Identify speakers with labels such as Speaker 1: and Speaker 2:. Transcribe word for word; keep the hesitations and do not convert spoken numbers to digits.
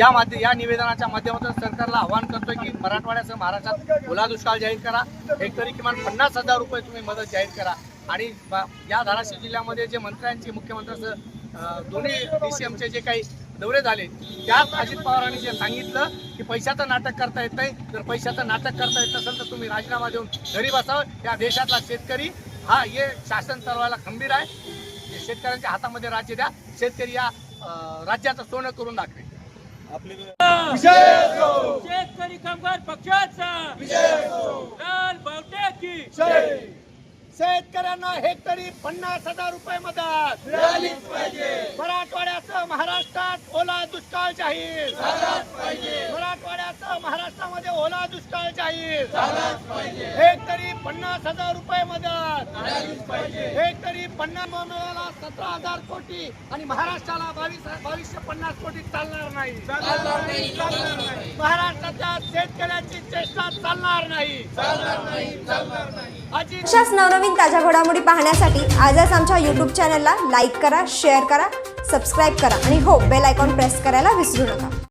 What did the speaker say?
Speaker 1: या माध्य या निवेदनाच्या माध्यमातून सरकारला आवाहन करतोय की मराठवाड्यासह महाराष्ट्रात ओला दुष्काळ जाहीर करा, हेक्टरी किमान पन्नास हजार रुपये तुम्ही मदत जाहीर करा। आणि या धाराशिव जिल्ह्यामध्ये जे मंत्र्यांची मुख्यमंत्र्यांसह दोन्ही डी सी एमचे जे काही दौरे झाले त्यात अजित पवारांनी जे सांगितलं की पैशाचं नाटक करता येत नाही, जर पैशाचं नाटक करता येत नसेल तर तुम्ही राजीनामा देऊन घरी बसावं। या देशातला शेतकरी हा हे शासन चालवायला खंबीर आहे, शेतकऱ्यांच्या हातामध्ये राज्य द्या, शेतकरी या राज्याचं सोनं करून दाखवे।
Speaker 2: शेतकरी कामगार पक्षाचा लाल बावट्याची
Speaker 1: शेतकऱ्यांना हेक्टरी पन्नास हजार रुपये मदत मिळालीच पाहिजे। मराठवाड्यासह महाराष्ट्रात ओला दुष्काळ जाहीर झालाच पाहिजे। मराठवाड्यासह महाराष्ट्रामध्ये ओला दुष्काळ जाहीर झालाच पाहिजे। हेक्टरी पन्नास हजार रुपये मदत मिळालीच पाहिजे। हेक्टरी पन्नास मिळाला सतरा हजार कोटी आणि महाराष्ट्राला बावीस बावीसशे पन्नास कोटी चालणार नाही, चालणार नाही, चालणार नाही। महाराष्ट्राच्या शेतकऱ्यांची चेष्टा चालणार नाही, चालणार नाही, चालणार नाही।
Speaker 3: अशाच नवनवीन ताज्या घडामोडी पाहण्यासाठी आजच आमच्या यूट्यूब चॅनलला लाईक करा, शेअर करा, सबस्क्राईब करा आणि हो बेल आयकॉन प्रेस करायला विसरू नका।